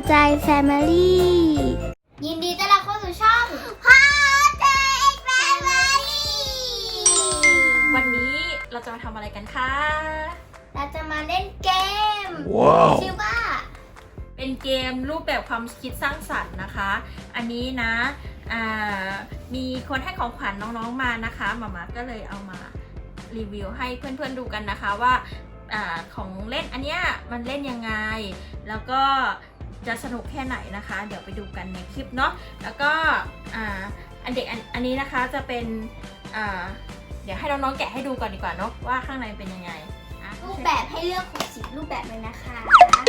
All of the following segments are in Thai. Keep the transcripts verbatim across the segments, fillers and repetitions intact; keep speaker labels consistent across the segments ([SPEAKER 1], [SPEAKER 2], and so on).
[SPEAKER 1] ใจแฟมิลี่ยินดีต้อนรับเข้าสู่ช่องพอใจแฟมิลี่
[SPEAKER 2] วันนี้เราจะมาทำอะไรกันคะ
[SPEAKER 1] เราจะมาเล่นเกม
[SPEAKER 3] wow.
[SPEAKER 1] ชื่อว่า
[SPEAKER 2] เป็นเกมรูปแบบความคิดสร้างสรรค์นะคะอันนี้นะมีคนให้ของขวัญน้องๆมานะคะหมามาก็เลยเอามารีวิวให้เพื่อนๆดูกันนะคะว่าอของเล่นอันเนี้ยมันเล่นยังไงแล้วก็จะสนุกแค่ไหนนะคะเดี๋ยวไปดูกันในคลิปเนาะแล้วก็อันเด็กอันนี้นะคะจะเป็นเดี๋ยวให้น้องๆแกะให้ดูก่อนดีกว่าเนาะว่าข้างในเป็นยังไง
[SPEAKER 1] รูปแบบให้เลือกหกสิบรูปแบบเลยนะคะ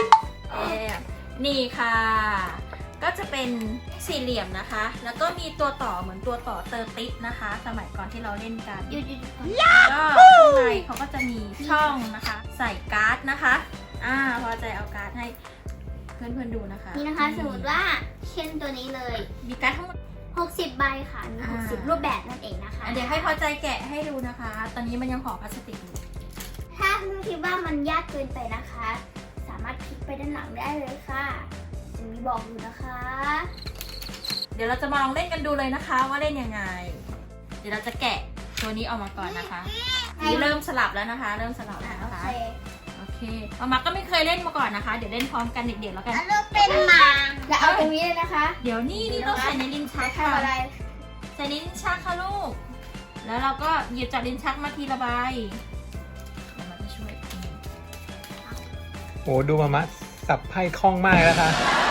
[SPEAKER 2] นี่ค่ะก็จะเป็นสี่เหลี่ยมนะคะแล้วก็มีตัวต่อเหมือนตัวต่อเตอร์ติสนะคะสมัยก่อนที่เราเล่นกันก็ข้างในเขาก็จะมีช่องนะคะใส่การ์ดนะคะอ่าพอใจเอาการ์ดให้เพื่อนๆดูนะคะ
[SPEAKER 1] นี่นะคะสมมติว่าเช่นตัวนี้เลย
[SPEAKER 2] มีการ์ดทั้งหมด
[SPEAKER 1] หกสิบใบค่ะมีหกสิบรูปแบบนั่นเองนะคะ
[SPEAKER 2] เดี๋ยวให้พอใจแกะให้ดูนะคะตอนนี้มันยังห่อพลาสติกอยู่
[SPEAKER 1] ถ้าเพื่อนคิดว่ามันยากเกินไปนะคะสามารถพลิกไปด้านหลังได้เลยค่ะจะมีบอกอยู่นะคะ
[SPEAKER 2] เดี๋ยวเราจะมาลองเล่นกันดูเลยนะคะว่าเล่นยังไงเดี๋ยวเราจะแกะตัวนี้ออกมาก่อนนะคะนี่เริ่มสลับแล้วนะคะเริ่มสลับแล้วนะคะโอเคมามาก็ไม่เคยเล่นมาก่อนนะคะเดี๋ยวเล่นพร้อมกันเด็กๆแล้วกัน
[SPEAKER 1] แล้วเป็นหมาแล้วเอาตรงนี้เลยนะคะ
[SPEAKER 2] เดี๋ยวนี่นี่ต้องใส่ในลิ้นชักค่ะใส่ในลิ้นชักค่ะลูกแล้วเราก็หยิบจากลิ้นชักมาทีละใบเดี๋ยวมาจะช่วย
[SPEAKER 3] โอ้ดูมามะสับไพ่คล่องมากแล้วค่ะ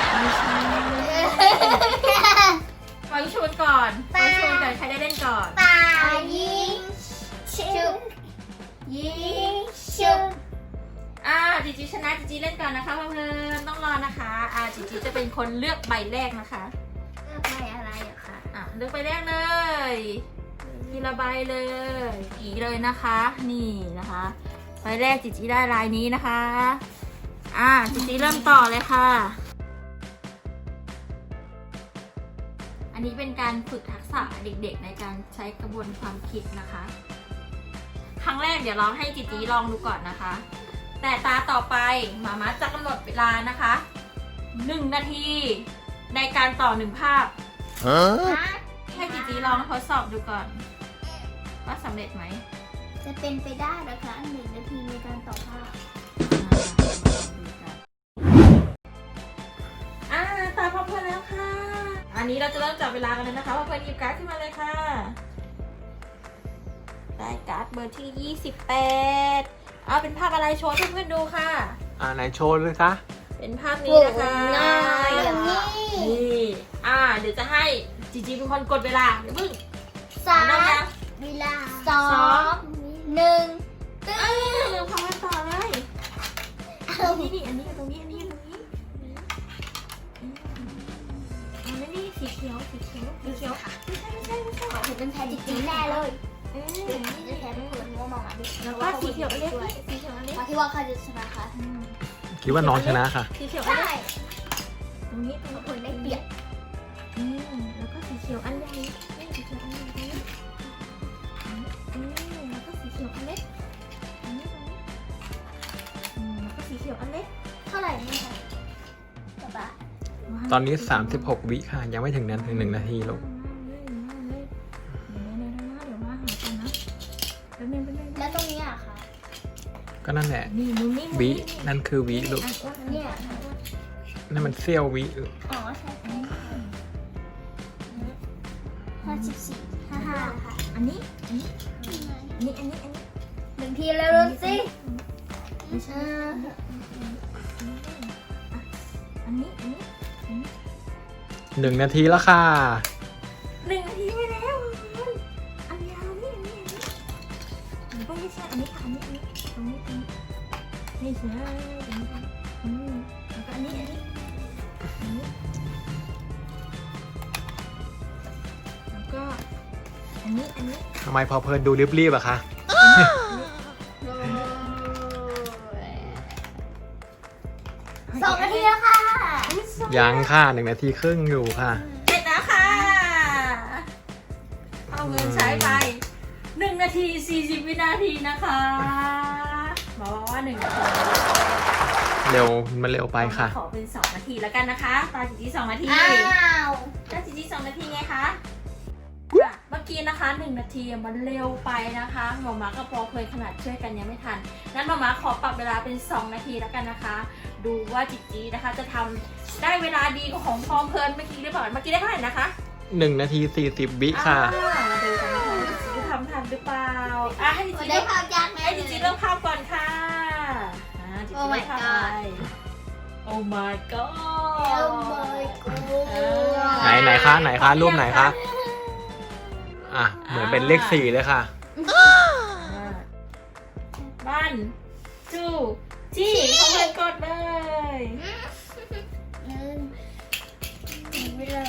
[SPEAKER 2] ปล่อยชูนก่อนปล่อยชูนก่อนใครได้เล่นก่อน
[SPEAKER 1] ป่ายิงชุบยิงชุบ
[SPEAKER 2] อ่าจิจิชนะจิจิเล่นก่อนนะคะเพื่อนๆต้องรอนะคะอ่าจิจิจะเป็นคนเลือกใบแรกนะคะ
[SPEAKER 1] เลือกใบอะไรอะคะ
[SPEAKER 2] อ่ะเลือกใบแรกเลยทีละใบเลยอีเลยนะคะนี่นะคะใบแรกจิจิได้ลายนี้นะคะอ่าจิจิเริ่มต่อเลยค่ะอันนี้เป็นการฝึกทักษะเด็กๆในการใช้กระบวนความคิดนะคะครั้งแรกเดี๋ยวเราให้จิจิลองดูก่อนนะคะแต่ตาต่อไปหมามาจะกำหนดเวลานะคะหนึ่งนาทีในการต่อหนึ่งภาพให้จิจิลองทดสอบดูก่อนว่าสำเร็จไหม
[SPEAKER 1] จะเป็นไปได้นะคะหนึ่งนาทีในการต่อภาพ
[SPEAKER 2] อ่าตาพร้อมเพื่อนแล้วค่ะอันนี้เราจะเริ่มจับเวลากันเลยนะคะว่าเพื่อนหยิบการ์ดขึ้นมาเลยค่ะได้การ์ดเบอร์ที่ยี่สิบแปดเอาเป็นภาพอะไรโชว์ให้เพื่อนดูค่ะ
[SPEAKER 3] อ่าไหนโชว์เลยคะ
[SPEAKER 2] เป็นภาพนี้นะคะนี่อ่าเดี๋ยวจะให้จีจีเป็นคนกดเวลาเดี๋ยวพึ่ง
[SPEAKER 1] สามเวลาสองหนึ่ง
[SPEAKER 2] ตึ้งพอมาต่อเลยอันนี้นี่อันนี้ตรงนี้อันนี้ตรงนี้อันนี้นี่สีเขียวสีเขียวสีเขียวค่ะไม่ใช่ไม่ใช่ไม่ใช่
[SPEAKER 1] เห็นเป็นแพ้จริงๆแน่เลยเดี๋ยวนี้จะแพ้ไม่เปิดมัวมองอ่ะดิ
[SPEAKER 2] แล้วก็สีเขียวเล็กสีเขียวเล็ก
[SPEAKER 1] ที่ว่าใครจะชนะคะ
[SPEAKER 3] คิดว่าน้องชนะค่ะ
[SPEAKER 2] สีเขียวเล็กตรงนี้ตรงนี้คนได้เปรียบอืมแล้วก็สีเขียวอันใหญ่นี่สีเขียวอันใหญ่นี่แล้วก็สีเขียวอันเล็กอันนี้ตรงนี้อืมแล้วก็สีเขียวอันเล็ก
[SPEAKER 1] เท่าไหร่นี่คะป๊าป๊า
[SPEAKER 3] ตอนนี้สามสิบหกวิค่ะยังไม่ถึงนั้นถึงหนึ่งนาทีลูก
[SPEAKER 1] แล้วตรงนี้อะคะ
[SPEAKER 3] ก็นั่นแหละวินั่นคือวิลูก
[SPEAKER 1] เนี่ย
[SPEAKER 3] นั่นมันเสี้ยววิลูก
[SPEAKER 1] อ๋อใช่ห้าสิบสี่ห้าห้าค่ะ
[SPEAKER 2] อันนี้อันนี้อันนี้อันนี้อันนี้
[SPEAKER 1] หนึ่งทีแล้วรู้สิ
[SPEAKER 2] ไม่ใช่อันนี้อันนี้
[SPEAKER 3] หนึ่งนาทีแล้วค่ะ
[SPEAKER 2] หนึ่งนาทีไปแล้วอันยาวนี่อันนี้อันนี้ไม่ใช่อันนี้ค่ะอันนี้อันนี้ตรงนี้ตรงนี้ไม่ใช่ตรงนี้อืมแล้วก็อันนี้อันนี้อันนี้แล้วก็อันนี้อันนี้
[SPEAKER 3] ทำไมพอเพลินดูรีบๆอะคะ
[SPEAKER 1] สองนาทีแล้วค่ะ
[SPEAKER 3] ยังค่ะหนึ่งนาทีครึ่งอยู่ค่ะ
[SPEAKER 2] เสร็จแล้วค่ะเอาเงินใช้ไปหนึ่งนาทีสี่สิบวินาทีนะคะบอกว่าหนึ่งนาที
[SPEAKER 3] เร็วมันเร็วไปค่ะ
[SPEAKER 2] ขอเป็นสองนาทีแล้วกันนะคะตาจีจีสองนาที
[SPEAKER 1] อ้าว
[SPEAKER 2] ตาจีจีสองนาทีไงคะอ่ะเมื่อกี้นะคะหนึ่งนาทีมันเร็วไปนะคะหมอมากับปอเคยขนาดช่วยกันยังไม่ทันงั้นหมอมาขอปรับเวลาเป็นสองนาทีแล้วกันนะคะ ดูว่าจีจีนะคะจะทำได้เวลาดีกว่าของพอเพลินเมื่อกี้หรือเปล่าเมื่อกี้ได้เท่าไหร่นะคะ
[SPEAKER 3] หนึ่งนาทีสี่สิบวิค่ะ
[SPEAKER 2] อ่ามาดูกันนะคะจีจีทำทันหรือเปล่าอ่ะให้จีจี
[SPEAKER 1] ได้
[SPEAKER 2] เริ่ม
[SPEAKER 1] ข้าวยากไหม
[SPEAKER 2] ให้จีจีเริ่มภาพก่อนค่ะอ่าจีจี
[SPEAKER 1] Oh my
[SPEAKER 2] เริ่มภาพ
[SPEAKER 1] god
[SPEAKER 2] ไป Oh my
[SPEAKER 1] โอ้
[SPEAKER 2] god
[SPEAKER 1] my
[SPEAKER 3] ไหน
[SPEAKER 1] god
[SPEAKER 3] ไหนคะไหนคะรูปไหนคะอ่ะเหมือนเป็นเลขสี่เลยค่ะ
[SPEAKER 2] บ้านจูจี้เข้าไปกดเลย
[SPEAKER 1] หนึ่งหนึ่งไปเลย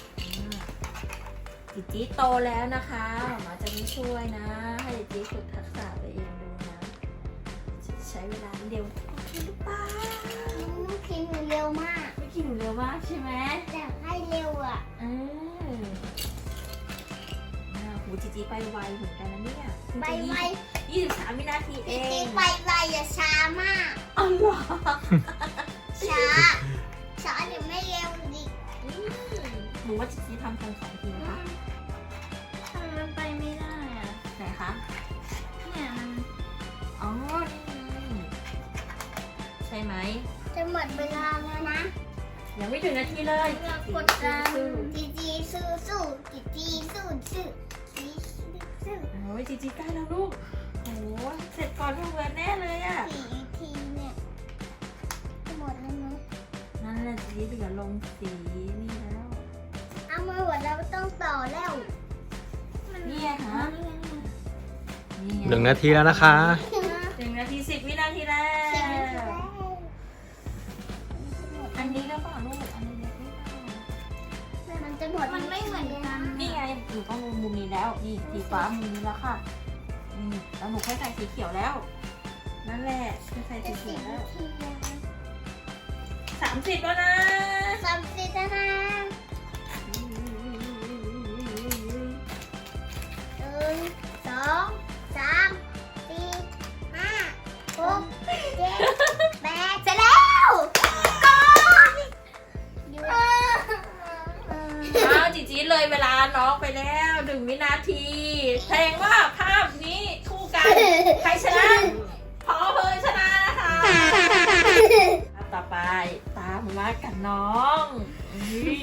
[SPEAKER 2] จิจี้โตแล้วนะคะหมาจะไม่ช่วยนะ ให้จิจี้ฝึกทักษะตัวเองดูนะจะใช้เวลาเร็วโอเคหรือเปล่า
[SPEAKER 1] น้องพิมพ์เร็วมาก
[SPEAKER 2] ไม่คิดหนูเร็วมากใช่ไหม
[SPEAKER 1] อยากให้เร็วอ่ะ
[SPEAKER 2] เอออ่าหูจิจี้ไปไวเหมือนกันนะเนี่ย
[SPEAKER 1] ไปไว
[SPEAKER 2] ยี่สิบสามวินาทีเอ
[SPEAKER 1] จริ
[SPEAKER 2] ง
[SPEAKER 1] งๆไปไวอย่าช้ามาก
[SPEAKER 2] อ๋อเหรอ
[SPEAKER 1] ช้า ช้าเดี๋ยวไม่เร็วดิ
[SPEAKER 2] อืมหนูว่าจิจี้ทำทันสองทีนะคะ
[SPEAKER 1] ทำไมมันไปไม่ได้อ่ะ
[SPEAKER 2] ไหนคะ
[SPEAKER 1] เนี่ยมัน
[SPEAKER 2] อ๋อ นี่ไงใช่ไหม
[SPEAKER 1] จะหมดเวลาแล้วนะ
[SPEAKER 2] ยังไม่ถึงนาทีเลย
[SPEAKER 1] เรื่องกดดันจีจีสู้สู้จีจีสู้สู้จีจีสู้
[SPEAKER 2] โอ้ยจีจีใกล้แล้วลูกโอ้เสร็จก่อนทุกวันแน่เลยอ่ะ
[SPEAKER 1] สี่ทีเนี่ยจะหมดแล้วมั้ง
[SPEAKER 2] นั่นแหละจีจีเหลือลงสีนี่แล้ว
[SPEAKER 1] เอามาหมดแล้วต้องต่อแล้ว
[SPEAKER 2] นี่ไงคะนี่ไง
[SPEAKER 3] หนึ่งนาทีแล้วนะคะ
[SPEAKER 2] หนึ่งนาทีสิบวินาทีแล้ว อันนี้แล้วเปล่าลูก อันนี้เล็กหรือเปล่า
[SPEAKER 1] มันจะหมดมันไม่เหมือนกัน
[SPEAKER 2] นี่ไงหนูต้องลงมุมนี้แล้ว นี่สีฟ้ามุมนี้แล้วค่ะนี่แล้วหนูค่อยใส่สีเขียวแล้ว นั่นแหละค่อยใส่สีเขียวแล้ว สามสิบแล้วนะ
[SPEAKER 1] สามสิบแล้วนะหนึ่งสองสามสี่ห้าหกเจ็ดแปดเสร็จแล้วก่อนอยู่
[SPEAKER 2] อ้าวจีจีเลยเวลาน้องไปแล้วหนึ่งวินาทีแสดงว่าภาพนี้คู่กัน ใครชนะ พอเพลินชนะนะคะภาพต่อไปตามมากับน้องอุ๊ย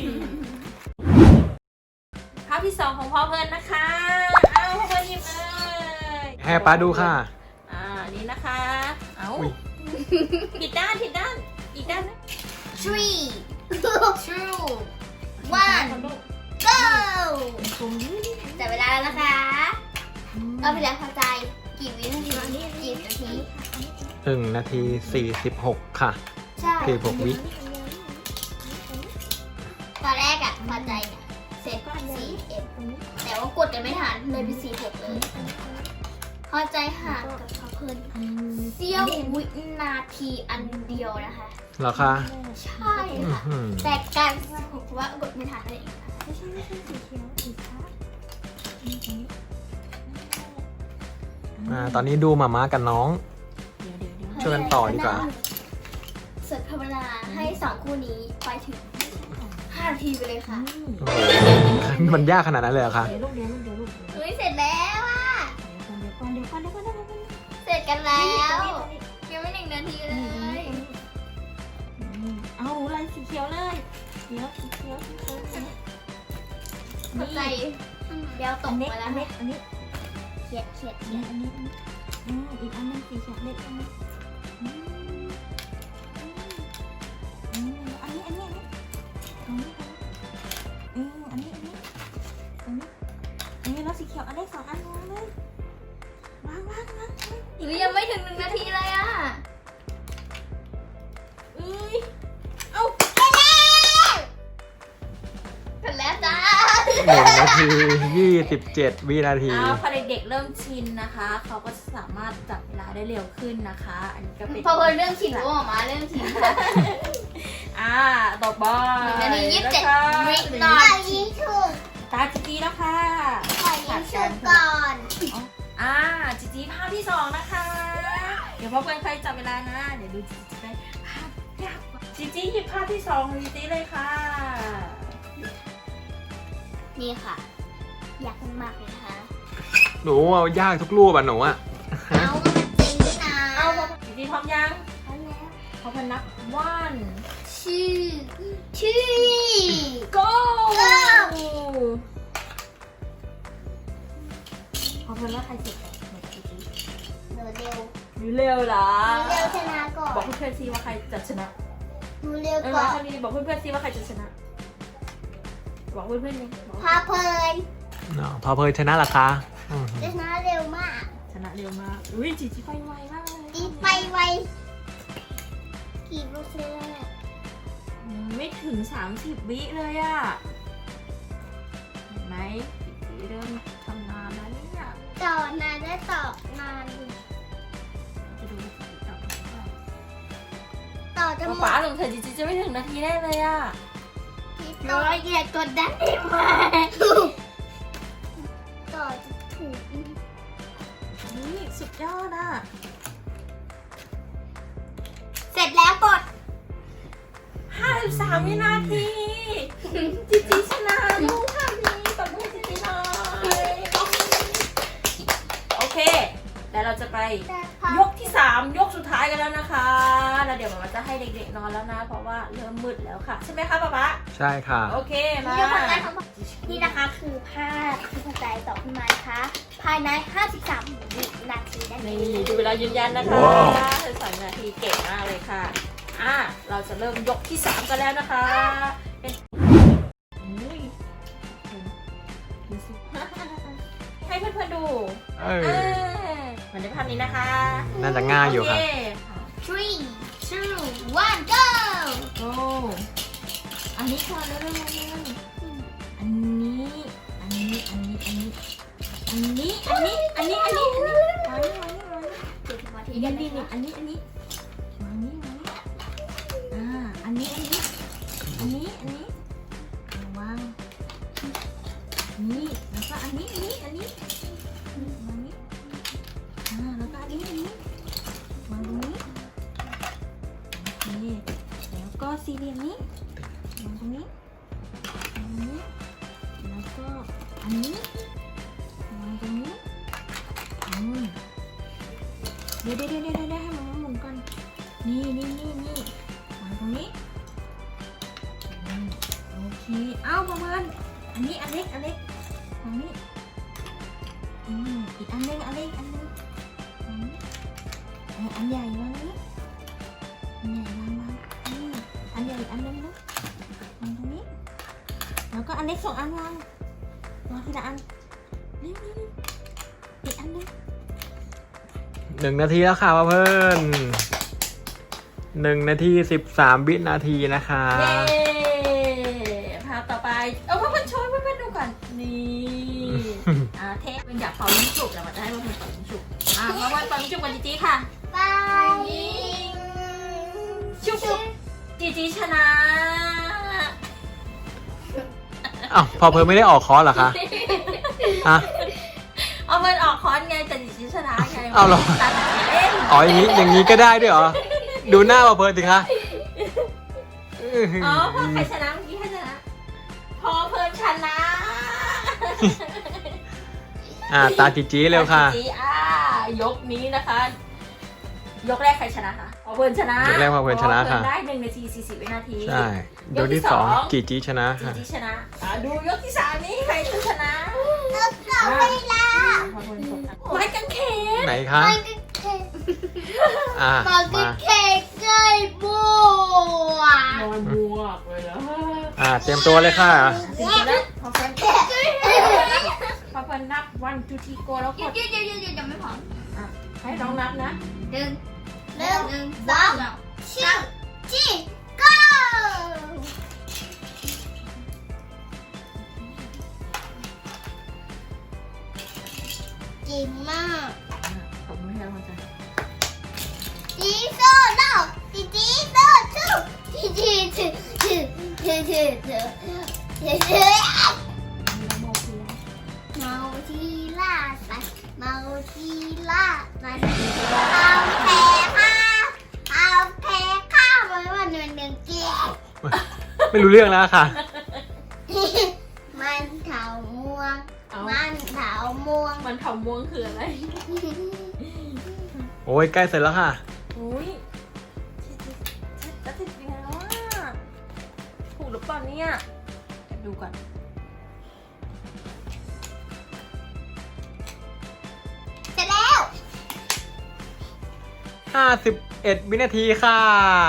[SPEAKER 2] ภาพที่สองของพอเพลินนะคะอ้าวพอเพลินหยิบเลย
[SPEAKER 3] ให้ป้าดูค่ะ
[SPEAKER 2] อ่านี่นะคะ เอ้า
[SPEAKER 3] อุ๊ย
[SPEAKER 2] ผิดด้านผิดด้านอีกด้านนะ
[SPEAKER 1] three two
[SPEAKER 2] ว่า
[SPEAKER 1] one go
[SPEAKER 2] ตรงนี้
[SPEAKER 1] แต่เวลาแล้วนะคะเอาไปแล้วเข้าใจกี่วินาทีกี่นาที
[SPEAKER 3] หนึ่งนาทีสี่สิบหกค่ะ
[SPEAKER 1] ใช่
[SPEAKER 3] สี่สิบหกวิ
[SPEAKER 1] ตอนแรกอะพอใจเนี่ยเซตสี่เอ็ดแต่ว่ากดกันไม่ทันเลยเป็นสี่หกเลยพอใจห่างกับเขาเพิ่นเสี้ยววินาทีอันเดียวนะคะ
[SPEAKER 3] เหรอคะ
[SPEAKER 1] ใช่
[SPEAKER 3] อื้อ
[SPEAKER 1] ค่ะ
[SPEAKER 3] หือ
[SPEAKER 1] แต่การผมว่ากดไม่ทันเลย
[SPEAKER 2] ไม่ใช่ไม่ใช่สีเขียวสีฟ้า
[SPEAKER 3] อ่าตอนนี้ดูหมาม้ากับน้อง
[SPEAKER 2] เดี๋ยวเดี๋ยวเดี๋ยว
[SPEAKER 3] ช่วยกันต่อดีกว่า
[SPEAKER 1] สุดภาวนาให้สองคู่นี้ไปถึงห้านาทีไปเลยค่ะ
[SPEAKER 3] โอ้โหมันยากขนาดนั้นเลยเหรอคะ
[SPEAKER 2] เดี๋ยวลูกเดี๋ยวลูกเดี๋ยวลูก
[SPEAKER 1] เฮ้ยเสร็จแล้วอ่ะ
[SPEAKER 2] เดี๋ยวก่อนเดี๋ยวก่อนเดี๋ยวก่อนเดี๋ยวก่อนเดี๋ยวก่อน
[SPEAKER 1] เสร็จกันแล้วยังไม่หนึ่งนาทีเลย
[SPEAKER 2] เอาลายสีเขียวเลยเดี๋ยวสีเขียวสีเขียว
[SPEAKER 1] เข้าใจเดี๋ยวต
[SPEAKER 2] อั
[SPEAKER 1] ก
[SPEAKER 2] นนี้
[SPEAKER 1] ไปแล้
[SPEAKER 2] อั
[SPEAKER 1] วน
[SPEAKER 2] นี้อันนี้
[SPEAKER 1] เขียดเขียด
[SPEAKER 2] อันนี้อันนี้อันนี้อืมอีกอันนึงสีเขียวเล็กอันนี้อืมอืมอันนี้อันนี้อันนี้อันนี้อืมอันนี้อันนี้อันนี้อันนี้แล้วสีเขียวอันนี้สองอันวางเลยวางวางวาง
[SPEAKER 1] หรือยังไม่ถึงหนึ่งนาทีเลยอ่ะ
[SPEAKER 2] เอ้ยเอ้า
[SPEAKER 1] เสร็จแล้วจ้า
[SPEAKER 3] หนึ่งนาทียี่สิบเจ็ดวินาที
[SPEAKER 2] อ้าวพอเด็กๆเริ่มชินนะคะ เขาก็สามารถจับเวลาได้เร็วขึ้นนะคะ อันนี้ก็เป็น
[SPEAKER 1] พอเพิ่นเรื่องชินรู้ออกมาเรื่องชินค่ะ
[SPEAKER 2] อ่าต่อไป
[SPEAKER 1] หนึ่งนาทียี่สิบเจ็ด
[SPEAKER 2] นะคะ
[SPEAKER 1] วินาทีถูก
[SPEAKER 2] ตาจีจีแล้วค่ะ
[SPEAKER 1] ขอยิงชุดก่อน
[SPEAKER 2] อ่าจีจีภาพที่สองนะคะ เดี๋ยวพ่อเพื่อนใครจับเวลานะ เดี๋ยวดูจีจีได้ภาพยากจีจีหยิบภาพที่สองของจีจีเลยค่ะ
[SPEAKER 1] นี่ค่ะ อยากมากเลยนะคะ
[SPEAKER 3] หนูเอายากทุกรูปอ่ะหนูอ่ะ
[SPEAKER 1] เอาก็มันจริงนะ
[SPEAKER 2] เอาจีจีพร้อมยัง
[SPEAKER 1] เอาแล้ว
[SPEAKER 2] พร้อมกันนับ one
[SPEAKER 1] ชื่อชื่อ
[SPEAKER 2] go
[SPEAKER 1] go
[SPEAKER 2] พร้อมกันว่าใครเสร็จก่อนหนูจีจี
[SPEAKER 1] หนูเร็ว
[SPEAKER 2] หนูเร็วเหรอ
[SPEAKER 1] หนูเร็วชนะก่อน
[SPEAKER 2] บอกเพื่อนๆซิว่าใครจะชนะ
[SPEAKER 1] หนูเร็ว
[SPEAKER 2] เออ
[SPEAKER 1] ก่
[SPEAKER 2] มา
[SPEAKER 1] อน
[SPEAKER 2] ทางนี้บอกเพื่อนๆซิว่าใครจะชนะ บอกเพื่อนๆเลยบอก
[SPEAKER 1] พาเพลิน
[SPEAKER 3] อ๋อพอเพลินชนะเหรอคะอืม
[SPEAKER 1] ชนะเร็วมาก
[SPEAKER 2] ชนะเร็วมาก อุ้ยจีจีไปไวมากเลย
[SPEAKER 1] ตีไปไวกี่เปอร์เซ็นต์แล้วเนี่ย
[SPEAKER 2] อืมไม่ถึงสามสิบวิเลยอะเห็นไหมจีจีเริ่มทำงานแล้วเนี่ย
[SPEAKER 1] ต่อนานได้ต่อนานอยู่
[SPEAKER 2] จะดูว่าจีจีตอบถูกเปล่า
[SPEAKER 1] ต่อจะหม
[SPEAKER 2] ป๊า
[SPEAKER 1] ด
[SPEAKER 2] หลงเธอจีจีจะไม่ถึงนาทีแน่เลยอะ
[SPEAKER 1] ร้อยเหยียดกดดันได้ไหมต่อจะถูก
[SPEAKER 2] นี่สุดยอดอะ
[SPEAKER 1] เสร็จแล้วกด
[SPEAKER 2] ห้าสิบสามวินาทีจีจีชนะลูกค่ะนี่ตบมือจีจีหน่อยโอเคแล้วเราจะไป ยกที่สามยกสุดท้ายกันแล้วนะคะ แล้วเดี๋ยวมันจะให้เด็กๆนอนแล้วนะ เพราะว่าเริ่มมืดแล้วค่ะ ใช่ไหมคะป๊าป๊า
[SPEAKER 3] ใช่ค่ะ
[SPEAKER 2] โอเคมา
[SPEAKER 1] นี่นะคะนี่นะคะคือภาพที่กระจายต่อขึ้นมานะคะภายในห้าสิบสามวินาทีนั่นเอ
[SPEAKER 2] นี่
[SPEAKER 1] ง
[SPEAKER 2] ดูเวลายืนยันนะคะ
[SPEAKER 3] ว้าว
[SPEAKER 2] เธอสองนาทีเก่งมากเลยค่ะอ่ะเราจะเริ่มยกที่สามกันแล้วนะคะเป็นอุ้ยดูสิให้เพื่อนๆดู
[SPEAKER 3] เอ
[SPEAKER 2] เอ
[SPEAKER 3] อ
[SPEAKER 2] อเหมือนในภาพนี้นะคะ
[SPEAKER 3] น่าจะง่ายอยู่
[SPEAKER 2] โอ
[SPEAKER 3] ค่ะ
[SPEAKER 2] เค
[SPEAKER 1] three two one go
[SPEAKER 2] โอ้อันนี้ก่อนเร็วๆอันนี้ อันนี้ อันนี้ อันนี้ อันนี้ อันนี้ อันนี้ อันนี้ อันนี้วางนี่วางนี่วางนี่
[SPEAKER 1] เจ็ดนาที
[SPEAKER 2] นี่
[SPEAKER 1] กัน
[SPEAKER 2] นี่
[SPEAKER 1] นี่
[SPEAKER 2] นี่อันนี้ อันนี้วางนี่วางนี่อ่า อันนี้ อันนี้ อันนี้ อันนี้วางนี่ แล้วก็อันนี้ อันนี้ อันนี้วางนี่อ่า แล้วก็อันนี้ อันนี้วางตรงนี้โอเคแล้วก็สี่เหลี่ยมนี้วางตรงนี้ตรงนี้ แล้วก็อันนี้วางตรงนี้อืมเดี๋ยวเดี๋ยวเดี๋ยวเดี๋ยวให้มันหมุนก่อนนี่นี่นี่นี่วางตรงนี้อืมโอเคเอาประมาณอันนี้อันเล็กอันเล็กตรงนี้อืมอีกอันหนึงอันเล็กอันหนึงตรงนี้เอาอันใหญ่วางนี้อันใหญ่วางวางนี่อันใหญ่อันหนึงนะวางตรงนี้แล้วก็อันเล็กสองอันวางวางทีละอันเร็วเร็วเร็วอีกอันหนึง
[SPEAKER 3] หนึ่งนาทีแล้วค่ะเพื่อนหนึ่งนาทีสิบสามวินาทีนะคะ
[SPEAKER 2] เย้ภาพต่อไป เอาเพื่อนๆช่วยเพื่อนๆดูก่อน นี่ อ่าเทปเป็นอยากเป่าลูกจุกแต่ว่าจะให้เพื่อนๆเป่าลูกจุกอ่ามาวันเป่าลูกจุกกันจีจีค่ะ
[SPEAKER 1] ไป
[SPEAKER 2] ชุบชุบจีจีชนะ
[SPEAKER 3] อ้าวพอเพลินไม่ได้ออกคอร์สเหรอคะฮะ
[SPEAKER 2] เอาเพื่อนออกคอนไงแต่จีจีชนะไง
[SPEAKER 3] เอาเหรอ
[SPEAKER 2] ตัดเล่น
[SPEAKER 3] อ๋ออย่างนี้อย่างนี้ก็ได้ด้วยเหรอ ดูหน้าพอเพลินสิคะ
[SPEAKER 2] อ๋อพอใครชนะเมื่อกี้ใครชนะ พอเพื่อนชนะ
[SPEAKER 3] อ่าตาจีจีเร็วค่ะ
[SPEAKER 2] จีจีอ่ายกนี้นะคะ ยกแรกใครชนะคะพอเพื่อนชนะ
[SPEAKER 3] ยกแรกพอเพลินชนะค่ะ
[SPEAKER 2] พอเพื่อนได้หนึ่งนาทีสี่สิบวินาที
[SPEAKER 3] ใช่ยกที่สองจีจีชนะ
[SPEAKER 2] จี
[SPEAKER 3] ค่ะ
[SPEAKER 2] จีชนะอ่ะดูยกที่สามนี้ใครจะชนะ
[SPEAKER 1] แล้วก็เวลา
[SPEAKER 2] ไม้กางเขน
[SPEAKER 3] ไหนคะ
[SPEAKER 1] มันก็แค่
[SPEAKER 3] อ่า
[SPEAKER 1] มันก็
[SPEAKER 3] มา
[SPEAKER 1] แค่ใกล้บัวน
[SPEAKER 2] อนบวกเลยแล้ว
[SPEAKER 3] อ่าเตรียมตัวเลยค่ะ
[SPEAKER 2] ถึงจะได้พอเพื่อนพอเพื่อนนับวันทูทีโกแล้วก
[SPEAKER 1] เดี๋ยว
[SPEAKER 2] ด
[SPEAKER 1] เดี๋ยวเดี๋ยวเดี๋ยวยังไม่พร้อม
[SPEAKER 2] อ่ะให้น้องนับนะ
[SPEAKER 1] หนึ่งหนึ่งหนึ่งสองชื่อจี go เก่งมาก
[SPEAKER 2] ขอบคุณที่เราเข้าใจ
[SPEAKER 1] จีโซโน่จีจีโซชูจีจีชูชูชูชูชูชูชูเมาทีล่าสัตว์เมาทีล่าสัตว์เอาแพ้ข้าเอาแพ้ข้าไว้วันห
[SPEAKER 3] ไม่รู้เรื่องแล้วค่ะ
[SPEAKER 1] มันเถาม่วง
[SPEAKER 2] เอา
[SPEAKER 1] มันเถาม่วง
[SPEAKER 2] มันเผาม่วงคืออะไร
[SPEAKER 3] โอ้ยใกล้เสร็จแล้วค่ะ
[SPEAKER 2] อุ้ยจะติดยังไงแล้วอ่ะถูกหรือเปล่าเนี่ยเดี๋ยวดูก่อน
[SPEAKER 1] เสร็จแล้ว
[SPEAKER 3] ห้าสิบเอ็ด วินาทีค่ะ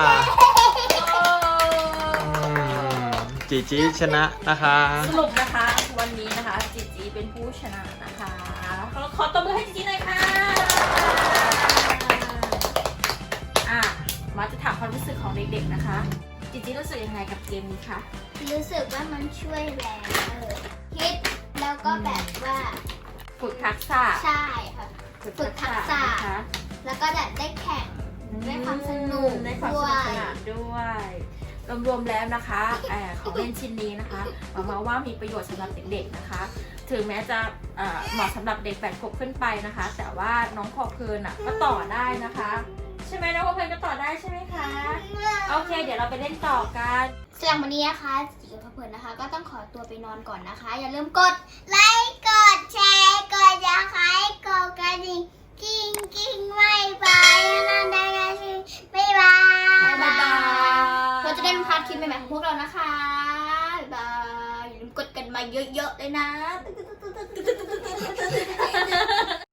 [SPEAKER 3] อืมจีจีชนะนะคะ
[SPEAKER 2] สรุปนะคะวันนี้นะคะจีจีเป็นผู้ชนะนะคะขอขอตบมือให้จีจีหน่อยค่ะอ่ะมาจะถามความรู้สึกของเด็กๆนะคะจีจีรู้สึกยังไงกับเกมนี้คะ
[SPEAKER 1] รู้สึกว่ามันช่วยแรงเลยคิดแล้วก็แบบว่า
[SPEAKER 2] ฝึกทักษะ
[SPEAKER 1] ใช่ค่ะ ฝึกทักษะ
[SPEAKER 2] นะคะ
[SPEAKER 1] แล้วก็แบบได้แข่ง ได้ความสนุก
[SPEAKER 2] ได้ความส
[SPEAKER 1] ด้ว
[SPEAKER 2] นุก
[SPEAKER 1] ย
[SPEAKER 2] สนานด้วยรวมๆแล้วนะคะเอ่อของเล่นชิ้นนี้นะคะหวังว่ามีประโยชน์สำหรับเด็กๆนะคะ ถึงแม้จะเอ่อเหมาะสำหรับเด็กแปดขวบขึ้นไปนะคะ แต่ว่าน้องพอเพลินอ่ะก็ต่อได้นะคะ ใช่ไหมน้องพอเพลินก็ต่อได้ใช่ไหมคะโอเค เดี๋ยวเราไปเล่นต่อกัน
[SPEAKER 1] สำหรับวันนี้นะคะจิ๋วกับเพลินนะคะ ก็ต้องขอตัวไปนอนก่อนนะคะ อย่าลืมกดไลค์กดแชร์กดยาคายกดกระดิ่งกิ้งกิ้งไม่บายนั่นได้กันสิบ๊ายบาย
[SPEAKER 2] บ๊ายบาย
[SPEAKER 1] เราจะได้ไม่พลาดคลิปใหม่ๆของพวกเรานะคะบ๊ายบายอย่าลืมกดกันมาเยอะๆเลยนะ